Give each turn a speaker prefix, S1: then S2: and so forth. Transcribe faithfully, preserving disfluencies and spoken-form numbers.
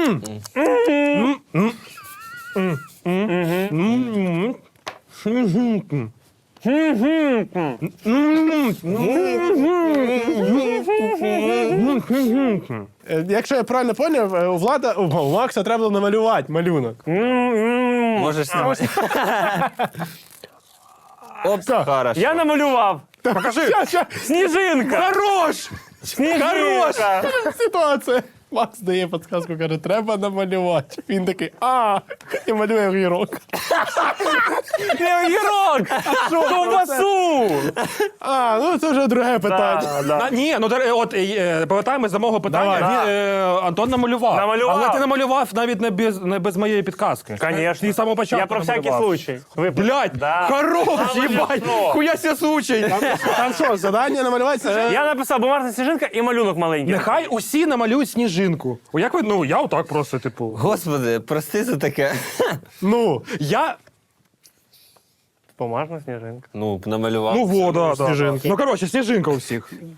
S1: Якщо я правильно поняв, у Влада, у Макса треба було намалювати малюнок.
S2: Можеш знімати. Оп, хорошо.
S3: Я намалював.
S1: Покажи. Ща, ща.
S3: Сніжинка.
S1: Хорош!
S3: Сніжинка.
S1: Ситуація. Макс дає підказку, каже, треба намалювати. Він такий, а, і малює огірок.
S3: Не огірок. Ковбасу.
S1: А, ну це вже друге питання.
S3: Да, да.
S4: А, ні, ну дер- от е, повертаємось за мого питання.
S1: Давай.
S4: Він, е, Антон намалював.
S3: Намалював.
S4: Але ти намалював навіть не без, не без моєї підказки.
S3: Конечно.
S4: Ти з самого початку
S3: Я про всякий
S4: намалював.
S3: случай. Випадок.
S4: Блядь,
S3: Да.
S4: хорош,
S3: Ну,
S4: їбать,
S3: що?
S4: хуя ся случай.
S1: Там що, завдання намалювати сніжинку?
S3: Я написав бумажна сніжинка і малюнок маленький.
S4: Нехай усі намалюють сніжинку. О, як ви, ну, я отак просто, типу.
S2: Господи, прости за таке.
S1: Ну,
S4: Я,
S3: Бумажна сніжинка.
S2: Ну, намалював.
S4: ну, во, да, да, да.
S1: Сніжинки.
S4: Ну, коротше, сніжинка у всіх.